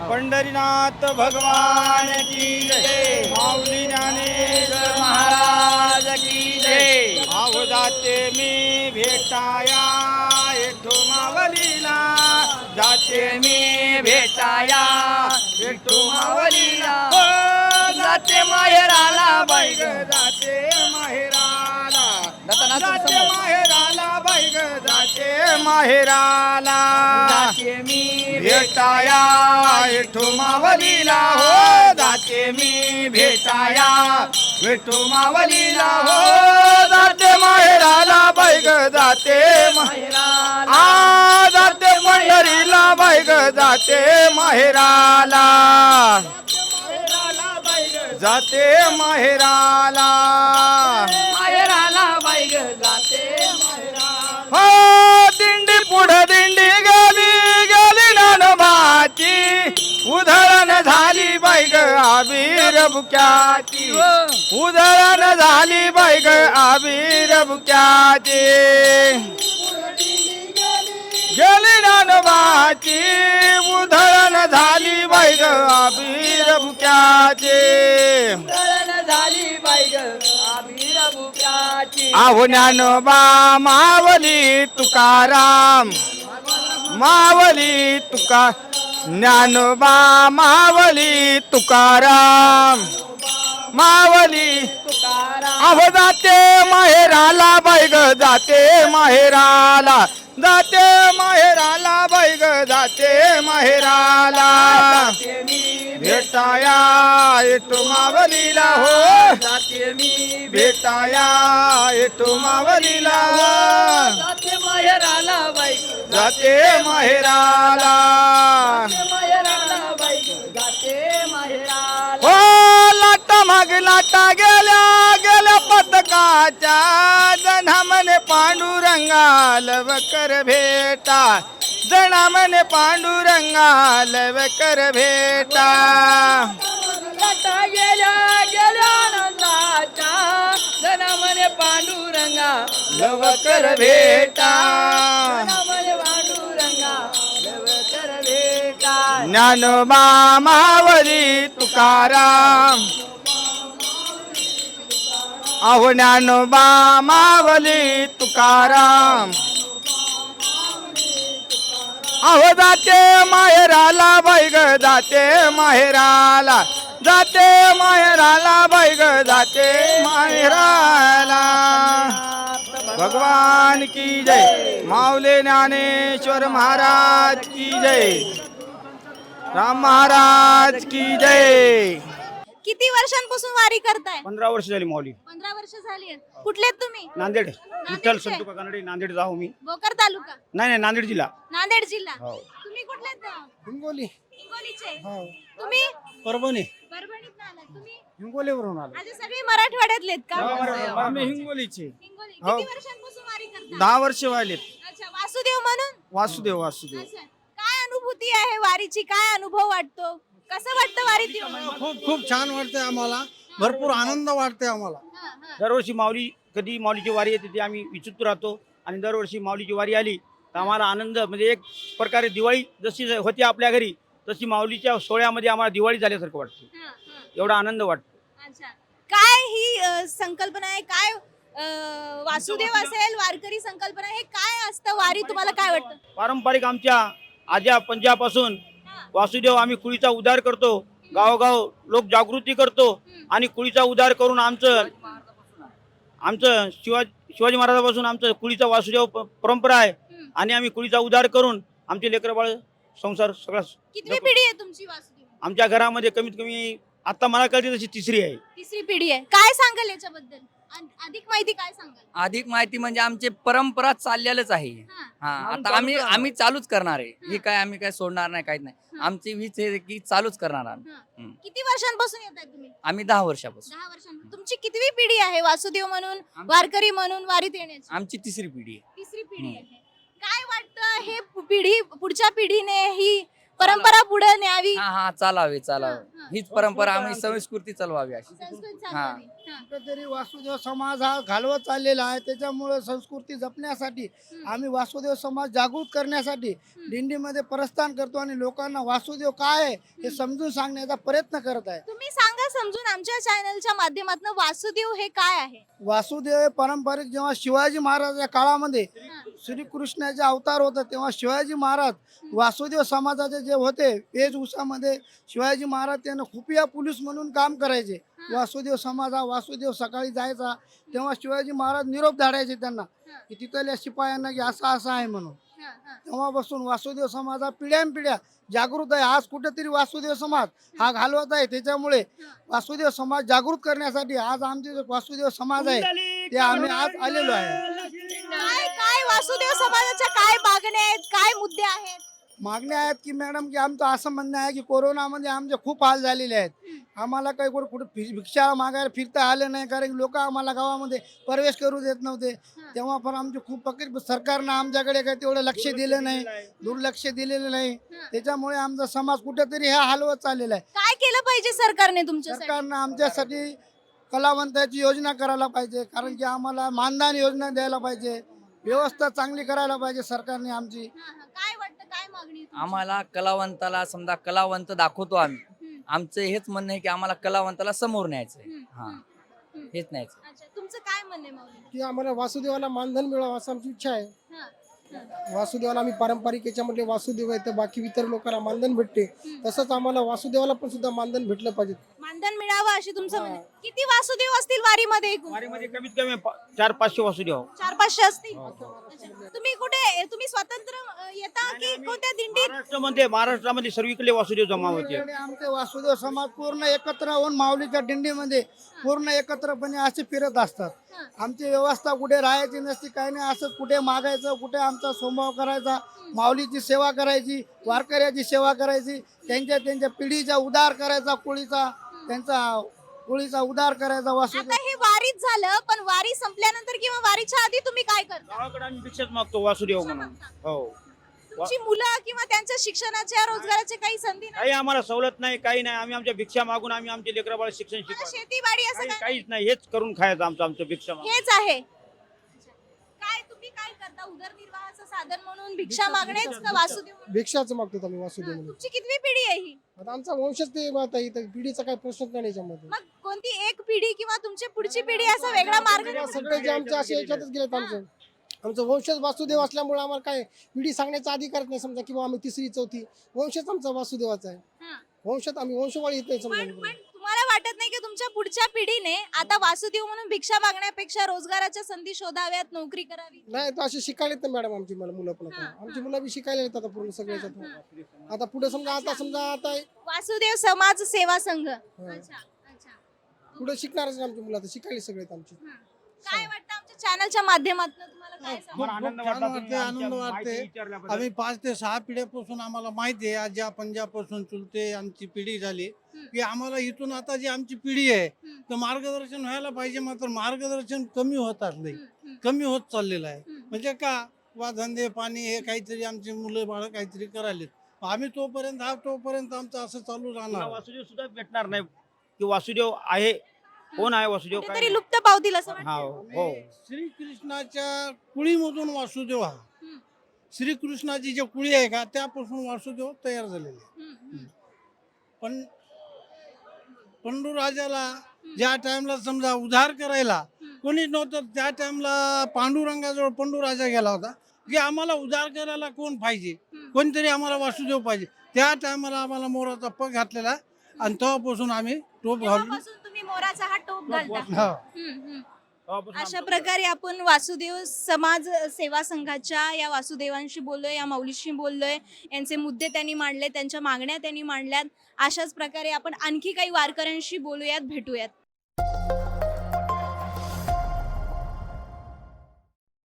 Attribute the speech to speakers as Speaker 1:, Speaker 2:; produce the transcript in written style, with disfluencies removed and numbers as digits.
Speaker 1: पंढरीनाथ भगवान की जय, माऊली ज्ञानेश्वर महाराज की जय. आहो जाते मी भेटाया विठू मावलीला, जाते मी भेटाया विठू मावलीला. हो जाते माहेराला बाई ग, जाते माहेराला, जाते माहेराला बाई ग, जाते माहेराला. जाते मी भेटाया विठू मावलीला, हो जाते मी भेटाया विठू मावलीला. हो जाते माहेराला बाई ग, जाते माहेराला, आ जाते पंढरीला बाई ग, जाते माहेराला, जाते माहेराला, माहेराला बाई ग, जाते माहेराला. हो दिंडी पुढे दिंडी गेली गेली नानोबाची, उधळण झाली बाई ग आबीर बुक्याची, उधळण झाली बाई ग आबीर बुक्याची. गेली नानोबाची, उधळण झाली बाई ग आबीर बुक्याची, झाली बाई ग आबीर बुक्याची. आहो ज्ञानोबा मावली तुकाराम, मावली तुका, ज्ञानोबा मावली तुकाराम, मावली तुकाराम. अहो जाते माहेराला बाई ग, जाते माहेराला, जाते माहेराला बाई ग, जाते माहेराला. भेटाया विठू मावलीला, हो जाते मी भेटाया विठू मावलीला, जाते माहेराला बाई ग, जाते माहेराला, माहेराला बाई ग, जाते माहेराला. हो लाटा माग लाटा गेल्या गेल्या पदकाच्या, जना म्हणे पांडुरंगा लवकर भेटा, जना म्हणे पांडुरंगा लवकर भेटा. लाटा गेल्या गेल्या नंदाच्या, जना म्हणे पांडुरंगा लवकर भेटा, जना म्हणे पांडुरंगा लवकर भेटा. ज्ञानोबा मावली तुकाराम, अहो ज्ञानोबा मावली तुकाराम. अहो जाते माहेराला बाई ग, जाते माहेराला, जाते माहेराला बाई ग, जाते माहेराला. भगवान की जय, माऊली ज्ञानेश्वर महाराज की जय, राम महाराज की जय.
Speaker 2: किती वर्षांपासून वारी करताय?
Speaker 1: 15 वर्ष झाली माऊली.
Speaker 2: 15 वर्ष झाली. कुठले आहेत तुम्ही?
Speaker 1: नांदेड, विठ्ठल
Speaker 2: नांदेडचे?
Speaker 1: संतू कानडे, नांदेड जाऊ मी.
Speaker 2: भोकर तालुका,
Speaker 1: नाही नाही नांदेड जिल्हा.
Speaker 2: नांदेड जिल्हा.
Speaker 1: हो.
Speaker 2: तुम्ही कुठले आहेत?
Speaker 1: हिंगोली.
Speaker 2: हिंगोलीचे.
Speaker 1: हो.
Speaker 2: तुम्ही
Speaker 1: परभणी.
Speaker 2: परभणीतून आलात. तुम्ही
Speaker 1: हिंगोलीवरून आलो.
Speaker 2: आज सगळे मराठवाड्यातलेत का?
Speaker 1: आम्ही हिंगोलीचे.
Speaker 2: हिंगोली.
Speaker 1: हो.
Speaker 2: किती वर्षांपासून वारी करता?
Speaker 1: 10 वर्ष व्हायलेत.
Speaker 2: अच्छा, वासुदेव म्हणून?
Speaker 1: वासुदेव वासुदेव.
Speaker 2: अच्छा. काय अनुभूती आहे वारीची? काय अनुभव वाटतो? कसं वाटतं वारीत येऊन?
Speaker 3: खूप खूप छान वाटते आम्हाला, भरपूर आनंद वाटते आम्हाला.
Speaker 2: हा, हा.
Speaker 1: दरवर्षी माऊली, कधी माऊलीची वारी येते ती आम्ही विचित्र राहतो, आणि दरवर्षी माऊलीची वारी आली तर आम्हाला आनंद, म्हणजे एक प्रकारे दिवाळी जशी होती आपल्या घरी, तशी माऊलीच्या सोहळ्यामध्ये आम्हाला दिवाळी झाल्यासारखं वाटतं.
Speaker 2: हा, हा.
Speaker 1: एवढा आनंद वाटतो.
Speaker 2: अच्छा. काय ही संकल्पना आहे? काय वासुदेव असेल, वारकरी संकल्पना, हे काय असतं वारी? तुम्हाला काय वाटतं?
Speaker 1: पारंपरिक आमच्या आज्या पंजापासून वासुदेव, आम्ही कुळीचा उद्धार करतो, गावोगाव लोक जागृती करतो, आणि कुळीचा उद्धार करून आमचं शिवाजी महाराजापासून आमचं कुळीचा वासुदेव परंपरा आहे, आणि आम्ही कुळीचा उद्धार करून आमचे लेकरं बाळ संसार सगळा.
Speaker 2: कितवी पिढी आहे तुमची वासुदेव?
Speaker 1: आमच्या घरामध्ये कमीत कमी आता मला कळते तशी तिसरी आहे.
Speaker 2: तिसरी पिढी आहे. काय सांगाल याच्याबद्दल? अधिक माहिती काय सांगाल?
Speaker 4: अधिक माहिती म्हणजे आमचे परंपरा चाललेलंच आहे.
Speaker 2: हा.
Speaker 4: हा, आता आम्ही चालूच करणार आहे. ही काय आम्ही काय सोडणार नाही, काहीच नाही. आमची वीज आहे की चालूच करणार आम्ही.
Speaker 2: हा. किती वर्षांपासून येत आहे तुम्ही?
Speaker 4: आम्ही 10 वर्षापासून.
Speaker 2: 10 वर्षांपासून. तुमची कितवी पिढी आहे वासुदेव म्हणून, वारकरी म्हणून वारीत येण्याची?
Speaker 4: आमची तिसरी पिढी आहे.
Speaker 2: तिसरी पिढी आहे. काय वाटतं हे पिढी, पुढच्या पिढीने ही परंपरा पुढे न्यावी,
Speaker 4: हा चालावे
Speaker 2: हा,
Speaker 4: चालावे
Speaker 2: हा.
Speaker 4: हीच परंपरा आम्ही संस्कृती चालवावी अशी
Speaker 2: संस्कृत
Speaker 4: हा.
Speaker 2: चालवावी. हा.
Speaker 3: कुठेतरी वासुदेव समाज हा घालवत चाललेला आहे. त्याच्यामुळे संस्कृती जपण्यासाठी आम्ही वासुदेव समाज जागृत करण्यासाठी दिंडीमध्ये प्रस्थान करतो आणि लोकांना वासुदेव काय आहे हे समजून सांगण्याचा प्रयत्न करत आहे.
Speaker 2: तुम्ही सांगा समजून आमच्या चॅनलच्या माध्यमातून वासुदेव हे काय आहे.
Speaker 3: वासुदेव हे पारंपरिक जेव्हा शिवाजी महाराजाच्या काळामध्ये श्रीकृष्णाचे अवतार होता तेव्हा शिवाजी महाराज वासुदेव समाजाचे जे होते वेशभूषामध्ये शिवाजी महाराज त्यांना खुफिया पोलीस म्हणून काम करायचे. वासुदेव समाज हा वासुदेव सकाळी जायचा तेव्हा शिवाजी महाराज निरोप धाडायचे त्यांना की तिथल्या शिपायांना की असं असं आहे म्हणून. तेव्हापासून वासुदेव समाज हा पिढ्यानपिढ्या जागृत आहे. आज कुठेतरी वासुदेव समाज हा घालवत आहे. त्याच्यामुळे वासुदेव समाज जागृत करण्यासाठी आज आमचे जे वासुदेव समाज आहे ते आम्ही आज आलेलो आहे.
Speaker 2: काय काय वासुदेव समाजाच्या काय मागण्या आहेत, काय मुद्दे आहेत.
Speaker 3: मागण्या आहेत की मॅडम की आमचं असं म्हणणं आहे की कोरोनामध्ये आमचे खूप हाल झालेले आहेत. आम्हाला काही कुठे भिक्षा मागायला फिरता आलं नाही कारण लोक आम्हाला गावामध्ये प्रवेश करू देत नव्हते. तेव्हा पण आमचे खूप सरकारनं आमच्याकडे काही तेवढं लक्ष दिलं नाही, दुर्लक्ष दिलेलं नाही. त्याच्यामुळे आमचा समाज कुठेतरी हा हलवत चाललेला आहे.
Speaker 2: काय केलं पाहिजे सरकारने तुमच्यासाठी.
Speaker 3: सरकारनं आमच्यासाठी कलावंताची योजना करायला पाहिजे कारण की आम्हाला मानधन योजना द्यायला पाहिजे. व्यवस्था चांगली करायला पाहिजे सरकारने आमची.
Speaker 2: काय वाटतं काय मागणी आहे तुमची?
Speaker 4: आम्हाला कलावंताला समजा कलावंत दाखवतो आम्ही आमचं हेच म्हणणं आहे की आम्हाला कलावंताला समोर न्यायचंय हा हेच न्यायचं.
Speaker 2: अच्छा तुमचं काय म्हणणं आहे माऊली.
Speaker 5: की आम्हाला वासुदेवाला मानधन मिळावं असं आमची इच्छा आहे.
Speaker 2: हा, हा.
Speaker 5: वासुदेवाला आम्ही पारंपरिक याच्यामध्ये वासुदेव आहे तर बाकी इतर लोकांना मानधन भेटते तसंच आम्हाला वासुदेवाला पण सुद्धा मानधन भेटलं पाहिजे.
Speaker 2: मानधन मिळावं अशी तुमचं म्हणणं आहे. किती वासुदेव असतील वारीमध्ये एकूण?
Speaker 1: वारीमध्ये कमीत कमी 400-500 वासुदेव.
Speaker 2: 400-500 असतील. अच्छा. तुम्ही स्वतंत्र येता की कोणत्या दिंडीत.
Speaker 1: महाराष्ट्रामध्ये सर्वीकडे वासुदेव जमा होते.
Speaker 3: सगळीकडे आमचे वासुदेव समाज पूर्ण एकत्र होऊन माऊलीच्या दिंडीमध्ये पूर्ण एकत्रपणे असे फिरत असतात. आमची व्यवस्था कुठे राहायची नसती काही नाही. असं कुठे मागायचं कुठे आमचा स्वभाव करायचा, माऊलीची सेवा करायची, वारकऱ्याची सेवा करायची, त्यांच्या पिढीचा उद्धार करायचा, कुळीचा उद्धार करायचा. वासुदेव
Speaker 2: आता हे वारीत झालं पण वारी संपल्यानंतर किंवा वारीच्या आधी तुम्ही काय करता.
Speaker 1: गावाकडे आम्ही भिक्षाच मागतो वासुदेव म्हणून. हो
Speaker 2: तुमची मुलं किंवा त्यांच्या शिक्षणाच्या रोजगाराच्या काही संधी नाही.
Speaker 1: काही आम्हाला सवलत नाही काही नाही. आम्ही आमच्या भिक्षा मागून आम्ही आमचे लेकराबाळ शिक्षण शिकवतो.
Speaker 2: शेतीवाडी असं काय
Speaker 1: काहीच नाही. हेच करून खायचं आमचं भिक्षा मागून.
Speaker 2: हेच आहे. काय तुम्ही काय करता उदरनिर्वाहाचं साधन म्हणून भिक्षा मागणेच का वासुदेव म्हणून?
Speaker 5: भिक्षाच मागतो आम्ही वासुदेव म्हणून.
Speaker 2: तुमची कितवी पिढी आहे ही.
Speaker 5: आता आमचा वंशच ते आता इथं पिढीचा काही प्रश्नच नाही याच्यामध्ये.
Speaker 2: मग कोणती एक पिढी किंवा तुमची पुढची पिढी असा वेगळा मार्ग नाही?
Speaker 5: सगळे जे आमचे असे याच्यातच गेलेत आमचं वंशच वासुदेव असल्यामुळे आम्हाला काय पिढी सांगण्याचा अधिकारच नाही समजा किंवा आम्ही तिसरी चौथी वंशच आमचा वासुदेवाचा आहे.
Speaker 2: हा.
Speaker 5: वंशात आम्ही वंशवाळी येत नाही
Speaker 2: पण
Speaker 5: समजा.
Speaker 2: पण तुम्हाला वाटत नाही की तुमच्या पुढच्या पिढीने आता वासुदेव म्हणून भिक्षा मागण्यापेक्षा रोजगाराच्या संधी शोधाव्यात, नोकरी करावी.
Speaker 5: नाही तर असे शिकायला येत नाही मॅडम आमची मुलं पण आता आमची मुलं बी शिकायला येतात आता पूर्ण सगळे याच्यात. आता पुढे समजा आता
Speaker 2: वासुदेव समाज सेवा संघ. अच्छा अच्छा.
Speaker 5: पुढे शिकणारच नाही आमची मुलं आता शिकायला सगळे आहेत आमची.
Speaker 2: काय वाटतं आमच्या चॅनलच्या माध्यमातून तुम्हाला काय सांगू?
Speaker 1: आम्हाला आनंद
Speaker 3: खूप
Speaker 1: वाटला
Speaker 3: छान
Speaker 1: तुम्ही
Speaker 3: वाटते,
Speaker 1: आमच्या
Speaker 3: आनंद
Speaker 1: माहिती
Speaker 3: वाटते.
Speaker 1: विचारल्याबद्दल.
Speaker 3: आम्ही 5 ते 6 पिढ्यापासून आम्हाला माहिती आहे. आजी पंजापासून चुलते आमची पिढी झाली की आम्हाला इथून आता जी आमची पिढी आहे तर मार्गदर्शन व्हायला पाहिजे. मात्र मार्गदर्शन कमी होत असले कमी होत चाललेलं आहे. म्हणजे का वा धंदे पाणी हे काहीतरी आमची मुलं बाळ काहीतरी करायलेत. आम्ही तोपर्यंत आमचं असं चालू
Speaker 1: पुन्हा
Speaker 3: राहणार.
Speaker 1: वासुदेव सुद्धा भेटणार नाही की वासुदेव आहे. कोण आहे वासुदेव काय
Speaker 2: कुठेतरी लुप्त पावतील असं वाटतं.
Speaker 1: हा हो.
Speaker 3: श्रीकृष्णाच्या कुळीमधून वासुदेव हा श्रीकृष्णाची जे कुळी आहे का त्यापासून वासुदेव तयार झालेले आहे. पण पंडूराजाला ज्या टाइमला समजा उद्धार करायला कोणीच नव्हतं त्या टाइमला पांडुरंगाजवळ पंडूराजा गेला होता की आम्हाला उद्धार करायला कोण पाहिजे, कोणतरी आम्हाला वासुदेव पाहिजे. त्या टायमाला आम्हाला मोराचा पग घातलेला आणि तेव्हापासून आम्ही टोप घालून
Speaker 2: तेव्हापासून तुम्ही मोराचा हा टोप घालता.
Speaker 3: हा.
Speaker 1: तेव्हापासून
Speaker 2: अशा
Speaker 1: आमचं-
Speaker 2: प्रकारे आपण वासुदेव समाज सेवा संघाच्या या वासुदेवांशी बोललोय, या माऊलीशी बोललोय. यांचे मुद्दे त्यांनी मांडले, त्यांच्या मागण्या त्यांनी मांडल्यात. अशाच प्रकारे आपण आणखी काही वारकऱ्यांशी बोलूयात, भेटूयात.